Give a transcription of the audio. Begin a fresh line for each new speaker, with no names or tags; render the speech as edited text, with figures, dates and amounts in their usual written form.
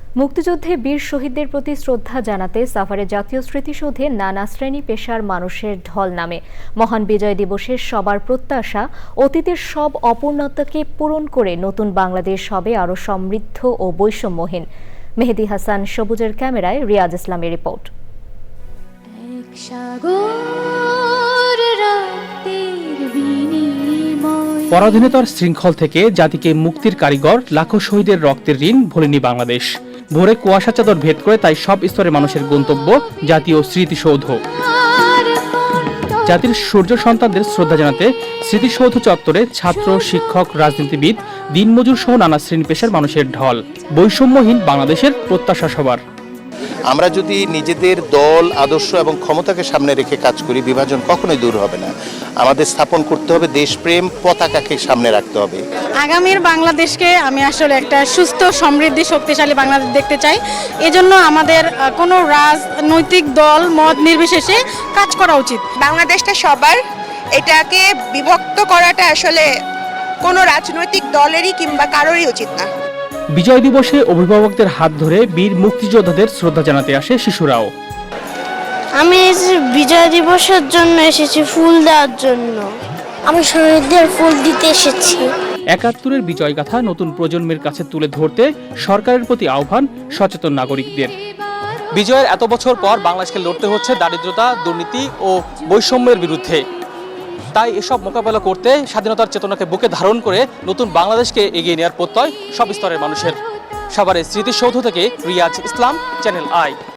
মুক্তিযুদ্ধে বীর শহীদদের প্রতি শ্রদ্ধা জানাতে সাভারে জাতীয় স্মৃতিসৌধে নানা শ্রেণী পেশার মানুষের ঢল নামে। মহান বিজয় দিবসের সবার প্রত্যাশা অতীতের সব অপূর্ণতাকে পূরণ করে নতুন বাংলাদেশ হবে আরও সমৃদ্ধ ও বৈষম্যহীন। মেহেদী হাসান সবুজের ক্যামেরায় রিয়াজ ইসলামের রিপোর্ট।
পরাধীনতার শৃঙ্খল থেকে জাতিকে মুক্তির কারিগর লাখো শহীদের রক্তের ঋণ ভোলেনি বাংলাদেশ। ভোরে কুয়াশা চাদর ভেদ করে তাই সব স্তরের মানুষের গন্তব্য জাতীয় স্মৃতিসৌধ। জাতির সূর্য সন্তানদের শ্রদ্ধা জানাতে স্মৃতিসৌধ চত্বরে ছাত্র, শিক্ষক, রাজনীতিবিদ, দিনমজুর সহ নানা শ্রেণী পেশার মানুষের ঢল। বৈষম্যহীন বাংলাদেশের প্রত্যাশা সবার।
আমরা যদি নিজেদের দল, আদর্শ এবং ক্ষমতাকে সামনে রেখে কাজ করি, বিভাজন কখনোই দূর হবে না। আমাদের স্থাপন করতে হবে দেশপ্রেম, পতাকাকে সামনে রাখতে হবে।
আগামীর বাংলাদেশকে আমি আসলে একটা সুস্থ, সমৃদ্ধ, শক্তিশালী বাংলাদেশ দেখতে চাই। এজন্য আমাদের কোনো রাজনৈতিক দল মত নির্বিশেষে কাজ করা উচিত।
বাংলাদেশটা সবার, এটাকে বিভক্ত করাটা আসলে কোনো রাজনৈতিক দলেরই কিংবা কারোরই উচিত না।
বিজয় দিবসে অভিভাবকদের হাত ধরে বীর মুক্তিযোদ্ধাদের শ্রদ্ধা জানাতে আসে শিশুরাও।
আমি বিজয় দিবসের জন্য এসেছি ফুল দেওয়ার জন্য। আমি শহীদদের ফুল দিতে এসেছি।
৭১-এর বিজয় গাথা নতুন প্রজন্মের কাছে তুলে ধরতে সরকারের প্রতি আহ্বান সচেতন নাগরিকদের। বিজয়ের এত বছর পর বাংলাদেশকে লড়তে হচ্ছে দারিদ্রতা, দুর্নীতি ও বৈষম্যের বিরুদ্ধে। তাই এসব মোকাবেলা করতে স্বাধীনতার চেতনাকে বুকে ধারণ করে নতুন বাংলাদেশকে এগিয়ে নেওয়ার প্রত্যয় সব স্তরের মানুষের। সাভারের স্মৃতিসৌধ থেকে রিয়াজ ইসলাম, চ্যানেল আই।